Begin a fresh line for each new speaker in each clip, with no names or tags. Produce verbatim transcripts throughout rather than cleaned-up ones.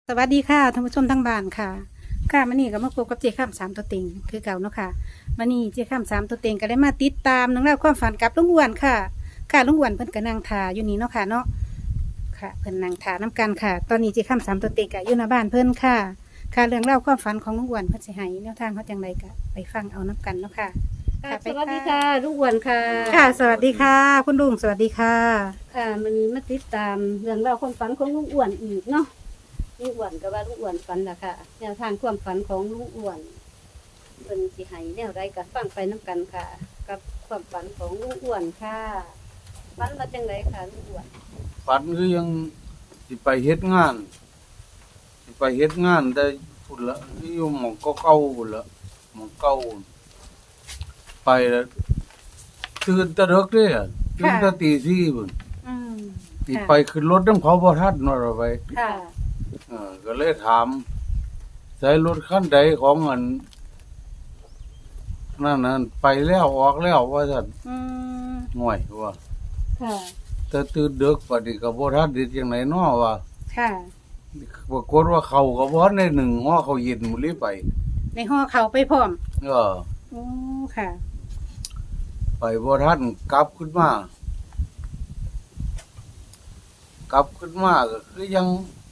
สวัสดีค่ะท่านผู้ชมทั้งบ้านค่ะค่ะมื่อนี้ก็มาพบกับเจ้าข้ามสามตัวเต็งคือเก่าเนาะค่ะมื่อนี้เจ้าข้ามสามตัวเต็งก็ได้มาติดตามนังเล่องราวความฝันกับลุงอ้วนค่ะค่ะลุงอ้วนเพิ่นก็นั่งทาอยู่นี่เนาะค่ะเนาะค่ะเพิ่นนั่งทาน้กันค่ะ ตอนนี้เจ้าข้ามสามตัวเต็งก็อยู่หน้าบ้านเพิ่นค่ะค่ะเรื่องเล่าวความฝันของลุงอ้วนเพิ่นสิให้แนวทางเขาจังไรก็ไปฟังเอาน้กันเนาะค่ะ
ค่ะสวัสดีค่ะลูกอ้วนค่ะ
ค่ะ สวัสดีค่ะ คุณลุงสวัสดีค่ะ
ค่ะมันนี้มาติดตามเรื่องราวความฝันของลุงอ้วนอีกเนาะลุงอ้วนก็ว่าลุงอ้วนฝันล่ะค่ะแนวทางความฝันของลุงอ้วนเป็นสิให้แนวใดก็ฟังไปน้กันค่ะ กับความฝันของลุงอ้วนค่ะฝันว่าจังไดค่ะลุงอ้วน
ฝันคือยังสิไปเฮ็ดงานสิไปเฮ็ดงานได้พุ่นละอยู่หม่องเก่าๆพุ่นละหม่องเก่าไปแล้วตื่นแตะดึกเด้อะตื่นแต่ตีสี่พุ่น
อืม
สิไปขึ้นรถนำเขาบ่ทันเนาะเราไป
ค่ะ
เออก็เลยถามใส่รถคันใดของอันนั่นนั่นไปแล้วออกแล้วว่าซั่น
อืม
ห่วยว่า
ค่ะ
แต่ตื่นดึกปานนี้ก็บ่ทันเด็ดจังไดเนาะว่า
ค่ะ
ปรากฏว่าเขาก็บ่ทันได้หนึ่งฮ้อเขาเย็นหมดเลยไป
ในห่อเขาไปพร้อม
เออ
โอ้ค่ะ
ไปบ่ทันกลับขึ้นมา กลับขึ้นมาก็คือยัง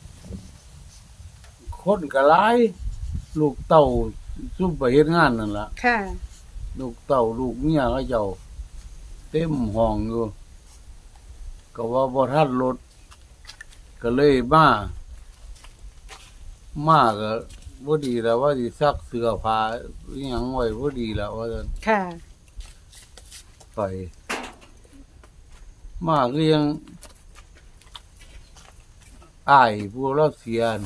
คนก็หลาย ลูกเต้าซุ่มไปเฮ็ดงานนั่นล่ะ
ค่ะ
ลูกเต้าลูกเมียเขาเจ้าเต็มห้องอยู่ ก็ว่าบ่ทันรถ ก็เลยมา มาก็บ่ดีแล้วว่าสิซักเสื้อผ้าอิหยังไว้บ่ดีแล้วว่าซั่น
ค่ะ
ไป มาคือยังอ้ายผู้เราเสียน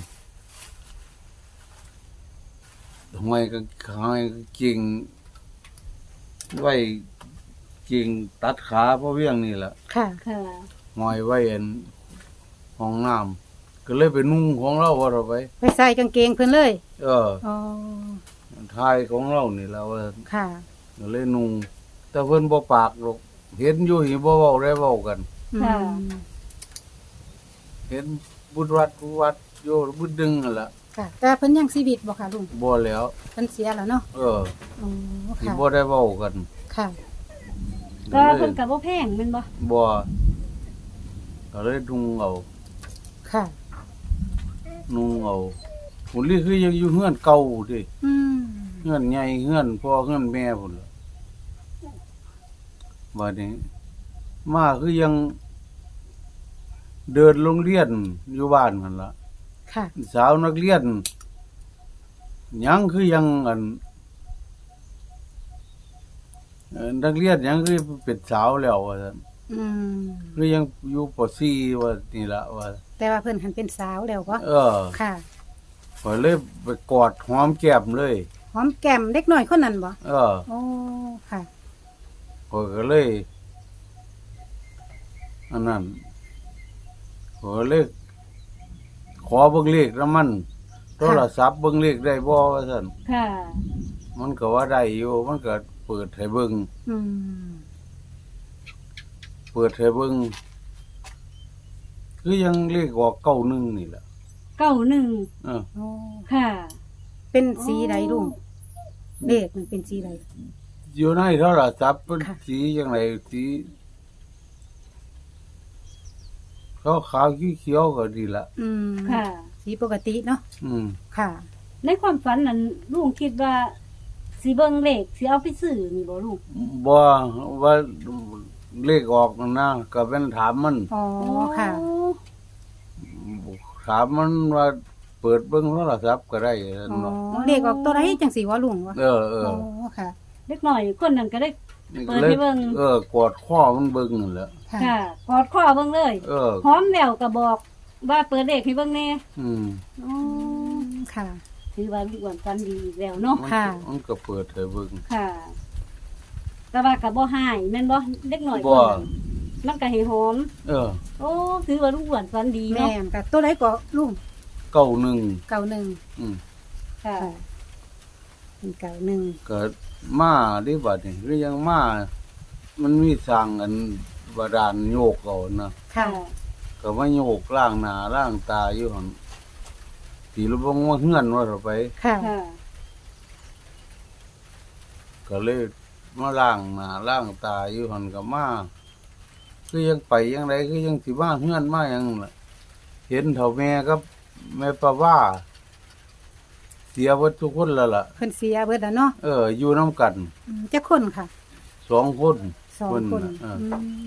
ทำไมก็ทำไมก็เก่งไว้เก่งตัดขาเพราะเวียงนี่แหละ
ค่ะ
ค่ะ
หอยไว้อันห้องน้ำก็เลยไปนุ่งของเราว่าเราไป
ไปใส่กางเกงเพิ่นเลย
เออ
อ๋อ
ทายของเรานี่แหละว่า
ค่ะ
ก็เลยนุ่งแต่เพิ่นบ่ปากหรอกเห็นอยู่หิบ่เว้าได้เว้ากัน
ค่ะ
อืม
เห็นบุญวัดบุญวัดโยบุญดึงนั่นล่ะ
ค่ะ แต่เพิ่นยังชีวิตบ่ค่ะลุง
บ่แล้ว
เพิ่นเสียแล้วเนาะ
เออ
อ๋อ
สิ
ค่ะ
บ่ได้เว้ากัน
ค่ะ
ก็เพิ่นก็บ่แพงแม่นบ่
บ่ก็เลยนุ่งเอา
ค่ะ
นุ่งเอาพุ่นนี่คือยังอยู่เฮือนเก่าติ
อืม
เฮือนใหญ่เฮือนพ่อเฮือนแม่พุ่นล่ะบัดนี้ มาคือยัง เดินโรงเรียนอยู่บ้านนั่นล่ะ
ค่ะ
สาวนักเรียนยังคือยังอันเอ่อนักเรียนยังคือเป็นสาวแล้วว่าซั่น
อืม
คือยังอยู่ป .สี่ ว่านี่ล่ะว่า
แต่ว่าเพิ่นหันเป็นสาวแล้วบ่
เออ
ค่ะ
ก็เลยไปกอดหอมแก้มเลย
หอมแก้มเด็กน้อยคนนั้นบ่
เออ
โอ้ ค่ะ
ข้อยก็เลยอันนั้นข้อยก็เลยขอเบิ่งเลขนำมัน โทรศัพท์เบิ่งเลขได้บ่ว่าซั่น
ค่ะ
มันก็ว่าได้อยู่มันก็เปิดให้เบิ่ง
อืม
เปิดให้เบิ่งคือยังเลขออกเก้าหนึ่งนี่แหละ
เก้าหนึ่ง
เออ
โอ้
ค่ะ
เป็นสีใดลุงเลขมันเป็นสีใด
อยู่ในโทรศัพท์เป็น
ค่ะ
สีจังไดสีขาวขาวๆเขียวๆก็ดีละ
อืม
ค่ะ
สีปกติเนาะ
อืม
ค่ะ
ในความฝันนั้นลุงคิดว่าสิเบิ่งเลขสิเอาไปซื้อนี่บ่ลุง
บ่ว่าเลขออกนั่นนะก็เป็นถามมัน
อ๋อ ค่ะ
ถามมันว่าเปิดเบิ่งโทรศัพท์ก็ได้
อ๋
เนาะ
อ เลขออกตัวไรจังสีวะลุงวะ
เออเออ
อ๋อ ค่ะ
เล็กหน่อยคนนั้นก็ได้
นี่
เปิดให้เบิ่ง
เออกอดข้อมันเบิ่งนั่นแหละ
ค่ะ
ค่ะกอดข้อเบิ่งเลย
เออ
หอมแล้วก็บอกว่าเปิดเลขให้เบิ่งแน่
อืม
อ๋อ
ค่ะ
ถือว่าลูกอ้วนฝันดีอีกแล้วเนาะ
มัน
ค่ะ
มันก็เปิดให้เบิ่ง
ค่ะ แต่ว่าก็บ่หายแม่นบ่เล็กหน่อย
บ่
คนนั้นมันก็ให้หอม
เออ
โอ้ถือว่าลูกอ้วนฝันดี
แม่
เนาะ
นกับตัวไรก็ลุง
เก้าหนึ่ง
เก่าหนึ่ง
อืม
ค่ะ
ค่ะเป็นเก่าหนึ่ง
ก็มาดิบัดนี่คือยังมามันมีสร้างอันบาดาลโยกเอานะ
ค่ะ
ก็มาโยกล่างหน้าล่างตาอยู่หั่นตีลูกบงว่าเฮือนว่าเราไป
ค่ะ
ค่ะ
ก็เลยมาล้างหน้าล้างตาอยู่หันก็มาคือยังไปยังไงคือยังสิมาเฮือนมาหยังล่ะเห็นเฒ่าแม่กับแม่ป้าว่า เสียหมดทุกคนแล้วล่ะ
เพิ่นเสียเบิดแล้วเนาะ
เออ อยู่นํกัน
อืมจักคนค่ะ
สองคน
สอง
เพิ่
คน
น่ะเออ
อืม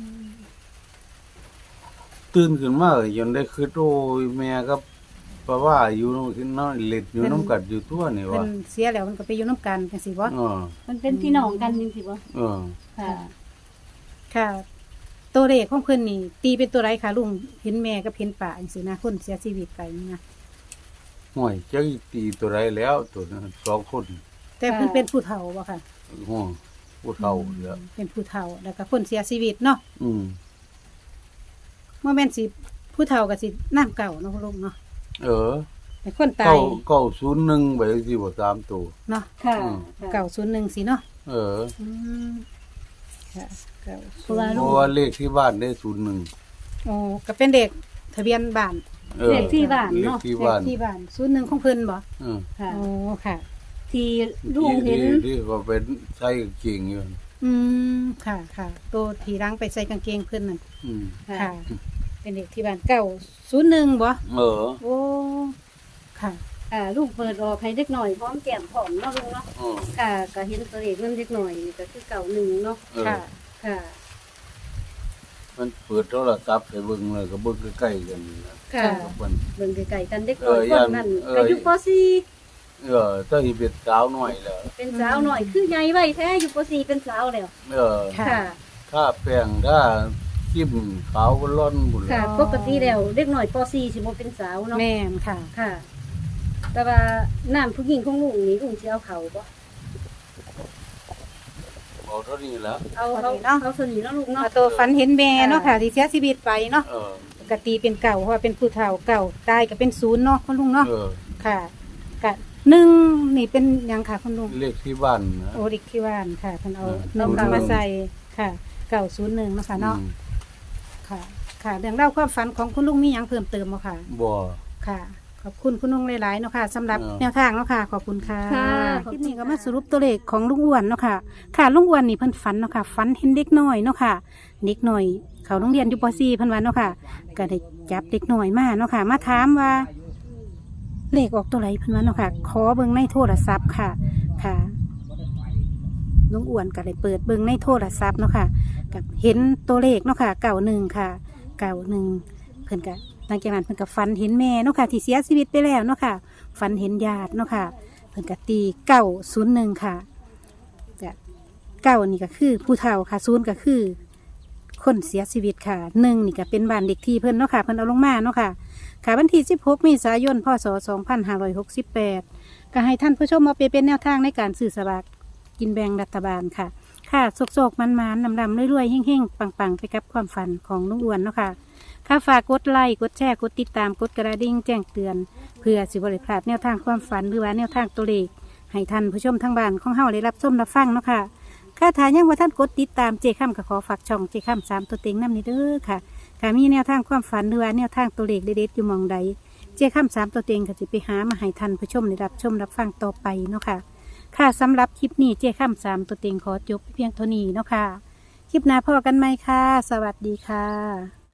ตื่นขึ้นมาจนได้คิดโอ้ยแม่กับป้าว่าอยู่นอนเล็ดอยู่นํกันอยู่ตัวนี่
เพิ่
วะ
นเสียแล้วมันก็ไปอยู่นํกันจังซี่บ่
เออ
มันเป็นพี่น้องกันจริงๆบ่
เออ
ค่ะ
ค่ะ ตัวเลขของเพิ่นนี่ ตีเป็นตัวไรคะลุงเห็นแม่กับเห็นป่าจังซี่นะคนเสียชีวิตไปนี่นะ
ห่วยจักตีตัวไรแล้วตัวนั้นสองคน
แต่เพิ่นเป็นผู้เฒ่าบ่ค่ะ
ห่วผู้เฒ่าแล้ว
เป็นผู้เฒ่าแล้วก็คนเสียชีวิตเนาะ
อืม
บ่แม่นสิผู้เฒ่าก็สิน้ำเก่าเนาะลุงเนาะ
เออ
แต่คนตา
เก้าย เก้าศูนย์หนึ่งไปสิบ่สามตัว
เนาะ
ค่ะ
อืม
เก่าศูนย์หนึ่งสิเนาะ
เออ
อืมค่ะเก่า
เพราะว่า
เพราะว่าเลขที่บ้านได้ศูนย์หนึ่ง
โอ้ก็เป็นเด็กทะเบียนบ้าน
เออ
เลขที่บ้านเนาะ
เลขที่
เล
บ้า
ข
น
ที่บ้านศูนย์หนึ่งของเพิ่นบ่
เออ
ค่ะ
โอ้ค่ะ
ที่ลุงเห็น
ที่ที่เขาเป็นใช้กางเกงอยู่
อืมค่ะค่ะตัวทีรังไปใส่กางเกงเพิ่นนั่น
อืม
ค่ะ
ค่ะ เป็นเด็กที่บ้านเก่าศูนย์หนึ่งบ่
เออ
โอ้ค่ะ
อ่าลูกเปิดออกให้เด็กหน่อยพร้อมแก้มพร้อมเนาะลุงเนาะ
เออ
ค่ะก็เห็นตัวเลขมันเด็กหน่อยนี่ก็คือเก่าหนึ่งเนาะ
เออ
ค่ะ
ค่ะ
มันเปิดโทรศัพท์ให้เบิ่งเลยก็เบิ่งใกล้ๆกันนี่นะ
ค่ะ
กับมัน
เบิ่งไกลๆกันเด็กน้อย
เออ
ค
ย่าน
นนั้น
เออ
ก็อยู่ป .สี่
เออถ้าสิเป็นสาวน้อยแล้ว
เป็นสาวหน่อยคือใหญ่ไว้แท้อยู่ป .สี่ เป็นสาวแล้ว
เออ
ค่ะ
ค่ะ
ถ้าแป้งถ้าจิ้มขาวก็ร่อนบุญ
ค่ะ ปกติแล้วเด็กหน่อยป .สี่ สิบ่เป็นสาวเนาะ
แม่นค่ะ
ค่ะ แต่ว่าน้ำผู้หญิงของลุงนี่ลุงสิเอาเขาบ่
เอาเท่านี้แล้ว
เอา
เอา
เอา
เนาะ
เอาสนิทเนาะลุงเนาะ
เอาตัวฝันเห็นแม่เนาะค่ะที่เสียชีวิตไปเนาะ
เออ
กตีเป็นเก่าเพราะว่าเป็นผู้เฒ่าเก่าตายก็เป็นศูนย์เนาะคุณลุงเนาะ
เออ
ค่ะกะหนึ่งนี่เป็นหยังค่ะคุณลุง
เลขที่บ้านนะ
โอริกที่ว่านค่ะท่านเอา
เออ
หนึ่ง
เอา
มาใส่ค่ะเก่าศูนย์หนึ่งเนาะค่ะเนาะ
อืม
ค่ะ ค่ะเรื่องเล่าวความฝันของคุณลุงมีหยังเพิ่มเติมบ่ค่ะ
บ่
ค่ะ ขอบคุณคุณลุงหลายๆเนาะค่ะสำหรับ
เออ
แนวทางเนาะค่ะ ขอบคุณค่ะ
ค่ะ
คลิปนี้ก็มาสรุปตัวเลขของลุงอ้วนเนาะค่ะ ค่ะลุงอ้วนนี่เพิ่นฝันเนาะค่ะฝันเห็นเด็กน้อยเนาะค่ะ เด็กน้อย เขาโรงเรียนอยู่ป .สี่ เพิ่นว่าเนาะค่ะ ก็ได้จับเด็กน้อยมาเนาะค่ะ มาถามว่า เลขออกตัวไหนเพิ่นว่าเนาะค่ะ ขอเบิ่งในโทรศัพท์ค่ะ ค่ะลุงอ้วนก็เลยเปิดเบิ่งในโทรศัพท์เนาะค่ะกับเห็นตัวเลขเนาะค่ะเก่าหนึ่งค่ะเก่าหนึ่งเพิ่นก็หลังจากนั้นเพิ่นก็ฝันเห็นแม่เนาะค่ะที่เสียชีวิตไปแล้วเนาะค่ะฝันเห็นญาติเนาะค่ะ เพิ่นก็ตีเก้าศูนย์หนึ่งค่ะก็เก้านี่ก็คือผู้เฒ่าค่ะศูนย์ก็คือ คนเสียชีวิตค่ะหนึ่งนี่ก็เป็นบ้านเด็กที่เพิ่นเนาะค่ะเพิ่นเอาลงมาเนาะค่ะค่ะวันที่สิบหกเมษายนพศสองพันห้าร้อยหกสิบแปดก็ให้ท่านผู้ชมมาไปเป็นแนวทางในการสื่อสลากกินแบ่งรัฐบาลค่ะ ค่ะโศกๆมันๆนำๆรวยๆเฮ่งๆปังๆไปกับความฝันของลุงอ้วนเนาะค่ะค่ะฝากกดไลค์กดแชร์กดติดตามกดกระดิ่งแจ้งเตือน เพื่อสิบริพลาดแนวทางความฝันหรือว่าแนวทางตัวเลขให้ท่านผู้ชมทางบ้านของเฮาได้รับชมรับฟังเนาะค่ะค่ะถ้ายังว่าท่านกดติดตามเจข้ามก็ขอฝากช่องเจข้ามสามตัวเต็งน้ำนี้เด้อค่ะค่ะมีแนวทางความฝันหรือว่าแนวทางตัวเลขเด็ดๆอยู่หมองใดเจข้ามสามตัวเต็งก็จะไปหามาให้ท่านผู้ชมได้รับชมรับฟังต่อไปเนาะค่ะค่ะสำหรับคลิปนี้เจข้ามสามตัวเต็งขอจบเพียงเท่านี้เนาะค่ะคลิปหน้าพอกันไหมค่ะ สวัสดีค่ะ